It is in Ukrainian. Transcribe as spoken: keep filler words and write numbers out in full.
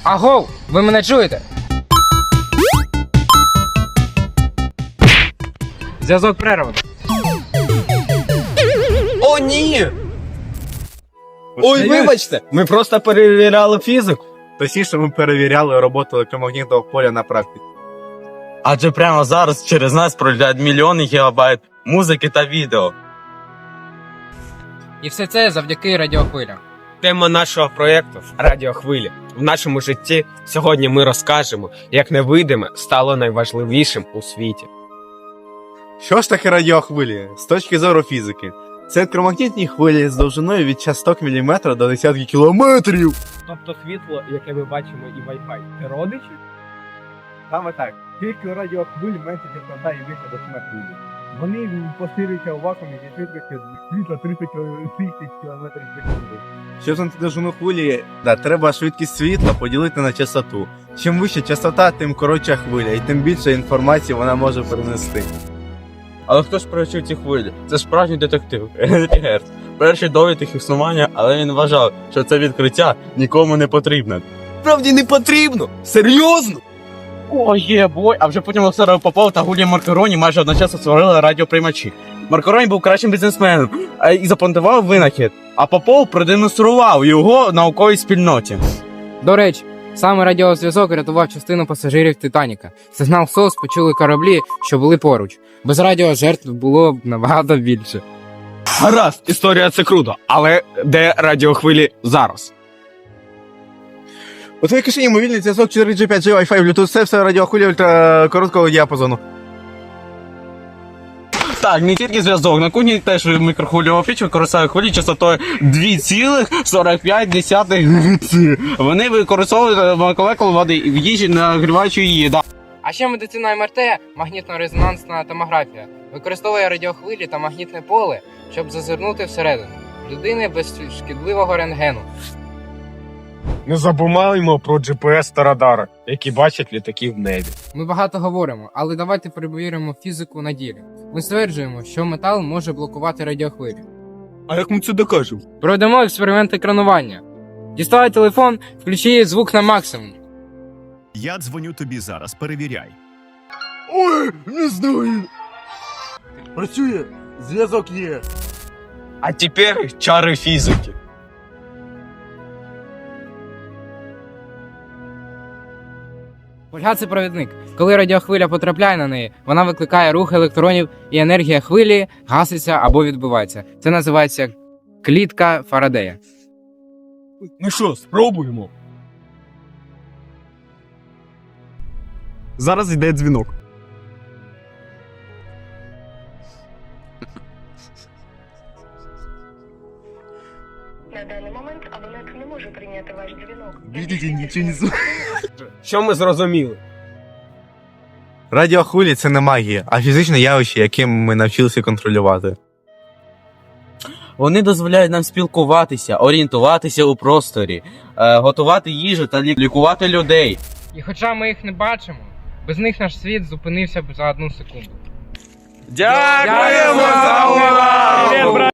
Агов, ви мене чуєте? Зв'язок перервано. О, ні! Ой, вибачте! Ми просто перевіряли фізику. Точніше, ми перевіряли роботу електромагнітного поля на практиці. Адже прямо зараз через нас пролітають мільйони гігабайт музики та відео. І все це завдяки радіохвилям. Тема нашого проєкту – радіохвилі. В нашому житті сьогодні ми розкажемо, як невидиме стало найважливішим у світі. Що ж таке радіохвилі? З точки зору фізики, це електромагнітні хвилі з довжиною від часток міліметра до десятки кілометрів. Тобто світло, яке ми бачимо, і Wi-Fi – це родичі? Саме так. Тільки у радіохвиль менше частота і більше до хвилі. Вони поширюються у вакуумі зі швидкістю світла тридцять тисяч кілометрів в секунду. Щоб знайти довжину хвилі, да, треба швидкість світла поділити на частоту. Чим вища частота, тим коротша хвиля, і тим більше інформації вона може перенести. Але хто ж провчив ці хвилі? Це справжній детектив Генрі Герц. Перший довід їх існування, але він вважав, що це відкриття нікому не потрібне. Справді не потрібно! Серйозно? О, є бой! А вже потім Олександр Попов та Гулія Маркароні майже одночасно створили радіоприймачі. Маркароні був кращим бізнесменом а, і запатентував винахід, а Попов продемонстрував його науковій спільноті. До речі, саме радіозв'язок рятував частину пасажирів Титаніка. Сигнал ес о ес почули кораблі, що були поруч. Без радіо жертв було б набагато більше. Гаразд, історія це круто, але де радіохвилі зараз? У твоїй кишені мобільний зв'язок чотири джі, п'ять джі, Wi-Fi, Bluetooth, це все радіохвилі ультракороткого діапазону. Так, не тільки зв'язок, на кухні теж мікрохвильова піч використовує хвилі частотою два цілих сорок п'ять десятих Гц. Вони використовують молекули води в їжі, нагріваючи її. Да. А ще медицина ем ер те, магнітно-резонансна томографія, використовує радіохвилі та магнітне поле, щоб зазирнути всередину людини без шкідливого рентгену. Не забуваємо про джі пі ес та радари, які бачать літаки в небі. Ми багато говоримо, але давайте перевіримо фізику на ділі. Ми стверджуємо, що метал може блокувати радіохвилі. А як ми це докажемо? Проведемо експеримент екранування. Діставай телефон, включи звук на максимум. Я дзвоню тобі зараз, перевіряй. Ой, не знаю. Працює, зв'язок є. А тепер чари фізики. Фольга – це провідник. Коли радіохвиля потрапляє на неї, вона викликає рух електронів і енергія хвилі гаситься або відбивається. Це називається клітка Фарадея. Ну що, спробуємо? Зараз йде дзвінок. На даний момент абонент не може прийняти ваш дзвінок. Бідіть, нічого не знаю. Що ми зрозуміли? Радіохвилі – це не магія, а фізичне явище, яким ми навчилися контролювати. Вони дозволяють нам спілкуватися, орієнтуватися у просторі, е, готувати їжу та лі- лікувати людей. І хоча ми їх не бачимо, без них наш світ зупинився б за одну секунду. Дякуємо за увагу!